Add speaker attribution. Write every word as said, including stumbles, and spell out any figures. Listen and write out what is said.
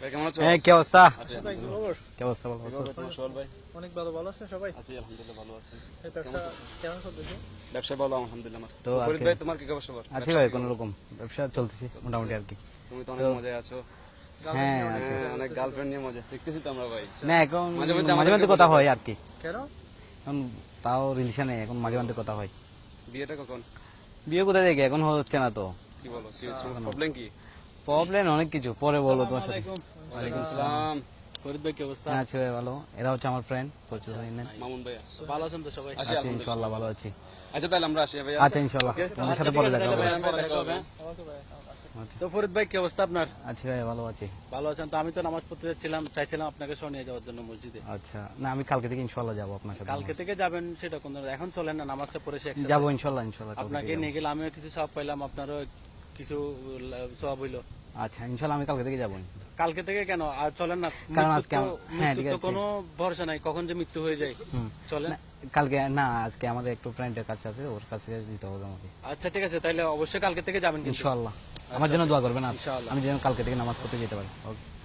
Speaker 1: কেমন আছো?
Speaker 2: হ্যাঁ, কি অবস্থা?
Speaker 1: আচ্ছা,
Speaker 3: ভাই, কি খবর?
Speaker 2: কি অবস্থা বলো?
Speaker 1: কিভাবে তোমার সোহেল ভাই?
Speaker 3: অনেক ভালো ভালো আছে সবাই।
Speaker 1: আছি আলহামদুলিল্লাহ ভালো আছি।
Speaker 3: এই ব্যবসা কেমন চলতেছে?
Speaker 1: ব্যবসা ভালো আলহামদুলিল্লাহ আমার।
Speaker 2: তো
Speaker 1: তো
Speaker 2: আর
Speaker 1: ফরিদ
Speaker 2: কি-
Speaker 1: ভাই তোমার কি খবর সবার?
Speaker 2: আছি ভাই, কোনো রকম ব্যবসা চলতেছে মোটামুটি আর কি।
Speaker 1: তুমি তো অনেক মজায় আছো।
Speaker 2: হ্যাঁ,
Speaker 3: গার্লফ্রেন্ড
Speaker 2: আছে।
Speaker 3: নিয়ে
Speaker 1: হ্যাঁ, অনেক গার্লফ্রেন্ড নিয়ে মজা দেখতেছি তো আমরা ভাই।
Speaker 2: না এখন
Speaker 1: মাঝে মধ্যে
Speaker 2: মাঝে
Speaker 1: আমাদেরকে
Speaker 2: মধ্যে কথা
Speaker 1: বলে
Speaker 2: হয়
Speaker 1: দাও।
Speaker 2: আর কি।
Speaker 3: কেন?
Speaker 2: এখন তাও রিলেশনে এখন মাঝে মধ্যে কথা হয়।
Speaker 1: বিয়েটা কখন?
Speaker 2: বিয়ে কোথায় দেখে এখন হচ্ছে না তো।
Speaker 1: কি বলো? কি প্রবলেম কি?
Speaker 2: প্রবলেম অনেক কিছু, পরে বলো তোমার সাথে।
Speaker 1: ওয়ালাইকুম আসসালাম।
Speaker 4: ফরিদ ভাই কি অবস্থা?
Speaker 2: হ্যাঁ, আছে ভাই ভালো। এরা হচ্ছে আমার ফ্রেন্ড, প্রচুর
Speaker 1: মামুন ভাই।
Speaker 4: ভালো আছেন তো সবাই?
Speaker 1: আছি
Speaker 2: আছি
Speaker 1: আলহামদুলিল্লাহ।
Speaker 2: ইনশাআল্লাহ ভালো আছি।
Speaker 1: আচ্ছা তাহলে আমরা আসি ভাই।
Speaker 2: আচ্ছা ইনশাআল্লাহ তোমার সাথে পরে দেখা হবে।
Speaker 1: পরে দেখা হবে।
Speaker 3: আমাকে ভাই
Speaker 2: আচ্ছা,
Speaker 4: তো ফরিদ ভাই কি অবস্থা আপনার?
Speaker 2: আছি ভাই ভালো আছি।
Speaker 4: ভালো আছেন তো? আমি তো নামাজ পড়তে যাচ্ছিলাম, চাইছিলাম আপনাকে সহ নিয়ে যাওয়ার জন্য মসজিদে।
Speaker 2: আচ্ছা, না আমি কালকে থেকে ইনশাআল্লাহ যাবো আপনার সাথে।
Speaker 4: কালকে থেকে যাবেন সেটা কোন, এখন চলেন না নামাজটা পড়ে সে একসাথে।
Speaker 2: যাবো ইনশাআল্লাহ ইনশাআল্লাহ কালকে
Speaker 4: আপনাকে
Speaker 2: থেকে
Speaker 4: নিয়ে গেলে আমিও কিছু সওয়াব পাইলাম, আপনারও কিছু সওয়াব হইলো।
Speaker 2: যাবো। আচ্ছা ইনশাআল্লাহ আমি কালকে থেকে যাবো।
Speaker 4: কালকে থেকে কেন আর চলেন না?
Speaker 2: কারণ
Speaker 4: মৃত্যুর
Speaker 2: আজকে
Speaker 4: তো-
Speaker 2: আমার- হ্যাঁ,
Speaker 4: মৃত্যুর
Speaker 2: ঠিক
Speaker 4: তো
Speaker 2: আছে।
Speaker 4: কোনো ভরসা নাই, কখন যে মৃত্যু হয়ে যায়।
Speaker 2: হুম।
Speaker 4: চলেন।
Speaker 2: না, কালকে না, আজকে আমাদের একটু ফ্রেন্ডের কাছে আছে, ওর কাছে দিতে হবে আমাকে।
Speaker 4: আচ্ছা ঠিক আছে, তাহলে অবশ্যই কালকে থেকে যাবেন কিন্তু।
Speaker 2: ইনশাআল্লাহ আমার জন্য দোয়া করবেন আর
Speaker 4: ইনশাআল্লাহ।
Speaker 2: আমি যেন কালকে থেকে নামাজ পড়তে যেতে পারি। ওকে।